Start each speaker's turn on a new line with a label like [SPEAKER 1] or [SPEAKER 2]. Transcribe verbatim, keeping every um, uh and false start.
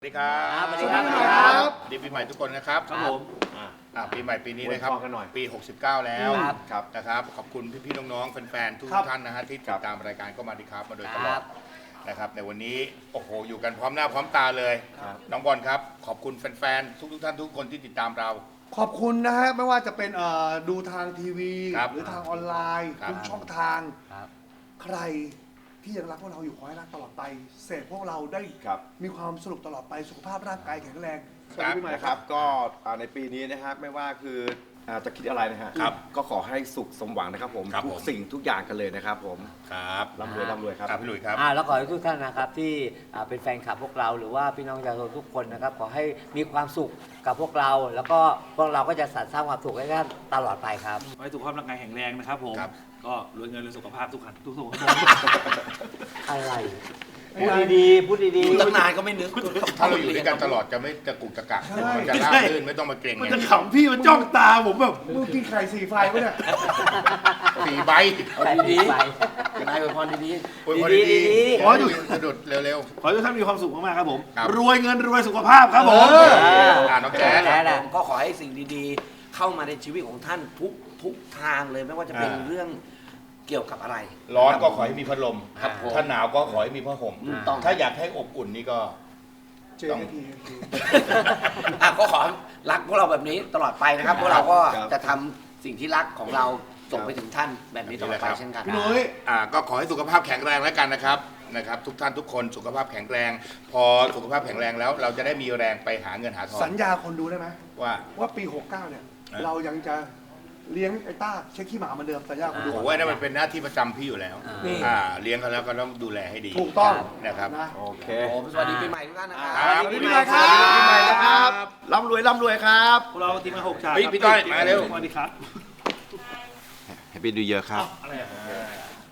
[SPEAKER 1] สวัสดีครับสวัสดีครับดีปีใหม่ทุกคนนะครับครับผมปีใหม่ปีนี้นะครับปีหกสิบเก้าแล้วนะครับขอบคุณพี่ๆน้องๆแฟนๆทุกท่านนะฮะที่ติดตามรายการก็มาดีครับมาโดยตลอดนะครับในวันนี้โอ้โหอยู่กันพร้อมหน้าพร้อมตาเลยน้องบอลครับขอบคุณแฟนๆทุกๆท่านทุกคนที่ติดตามเรา
[SPEAKER 2] ขอบคุณนะฮะไม่ว่าจะเป็นดูทางทีวีหรือทางออนไลน์ทุกช่องทางใครที่ยังรักพวกเราอยู่ขอให้รักตลอดไปเสพพวกเราได้มีความสนุกตลอดไปสุขภาพร่างกายแข็งแรง
[SPEAKER 3] สวัสดีปีใหม่ครับก็ในปีนี้นะครับไม่ว่าคือจะคิดอะไรนะฮะก็ขอให้สุขสมหวังนะครับผมทุกสิ่งทุกอย่างกันเลยนะครับผม
[SPEAKER 1] ครับ
[SPEAKER 3] ร่ำรวยร่ำรวยครับ
[SPEAKER 1] พี่หลุยส์ครับ
[SPEAKER 4] แล้วขอให้ทุกท่านนะครับที่เป็นแฟนคลับพวกเราหรือว่าพี่น้องประชาชนทุกคนนะครับขอให้มีความสุขกับพวกเราแล้วก็พวกเราก็จะสรรสร้างความสุขให้ท่านตลอดไปครับ
[SPEAKER 5] ขอให้สุขภาพร่างกายแข็งแรงนะครับผมก็รวยเงินรวยสุขภาพทุกขันทุกสุข
[SPEAKER 4] อะไรพูดดีๆพูดดี
[SPEAKER 5] ๆตั้งนานก็ไม่นึก
[SPEAKER 1] ถ้าเราอยู่ด้วยกันตลอดจะไม่จะกุกจะกักมันจะราบรื่นไม่ต้องมาเกรง
[SPEAKER 5] มันจะขำพี่มันจ้องตาผมแบบ
[SPEAKER 2] มึงกินไข่สีไฟปะเนี่ย
[SPEAKER 1] สีใบ
[SPEAKER 4] ดีๆ
[SPEAKER 5] นายอวยพรดี
[SPEAKER 1] ๆอวยพรดีๆขออยู่สะดุดเร็ว
[SPEAKER 5] ๆขอให้ทุกท่านมีความสุขมากๆครับผมรวยเงินรวยสุขภาพครับผม
[SPEAKER 1] อ่าน้องแจ๊ด
[SPEAKER 6] ก็ขอให้สิ่งดีๆเข้ามาในชีวิตของท่านทุกทุกทางเลยไม่ว่าจะเป็นเรื่องเกี่ยวกับอะไร
[SPEAKER 1] ร้อนก็ขอให้มีพัดลมถ้าหนาวก็ขอให้มีผ้าห่มถ้าอยากให้อบอุ่นนี่ก็
[SPEAKER 2] ต้อง
[SPEAKER 6] อ่ะก็ขอรักพวกเราแบบนี้ตลอดไปนะครับพวกเราก็จะทำสิ่งที่รักของเราส่งไปถึงท่านแบบนี้ตลอดไปเช่นกัน
[SPEAKER 2] พี่นุ้ย
[SPEAKER 1] อ่าก็ขอให้สุขภาพแข็งแรงแล้วกันนะครับนะครับทุกท่านทุกคนสุขภาพแข็งแรง พอสุขภาพแข็งแรงแล้วเราจะได้มีแรงไปหาเงินหาทอง
[SPEAKER 2] สัญญาคนดูได้ไหม
[SPEAKER 1] ว่า
[SPEAKER 2] ว่าปีหกเก้าเนี่ยเรายังจะเลี้ยงไอ้ต้าเช็คขี้หมาเหมือนเดิมสัญญาคนดู
[SPEAKER 1] โอ้โหนั่นมันเป็นหน้าที่ประจำพี่อยู่แล้วอ่าเลี้ยงเขาแล้วก็ต้องดูแลให้ดี
[SPEAKER 2] ถูกต้อง
[SPEAKER 1] นะครับ
[SPEAKER 3] โอเค
[SPEAKER 6] สวัสดีปีใหม่ทุกท่านนะครับ
[SPEAKER 3] สวัสดีปีใหม่ครับปีใหม่นะครับร่ำรวยร่ำรวยครับ
[SPEAKER 5] พวกเราทีมงานหกชาติ
[SPEAKER 1] พี่ต้อยมาเร็ว
[SPEAKER 5] สวัสดีครับ
[SPEAKER 3] แฮปปี้นิวเยียร์ครับ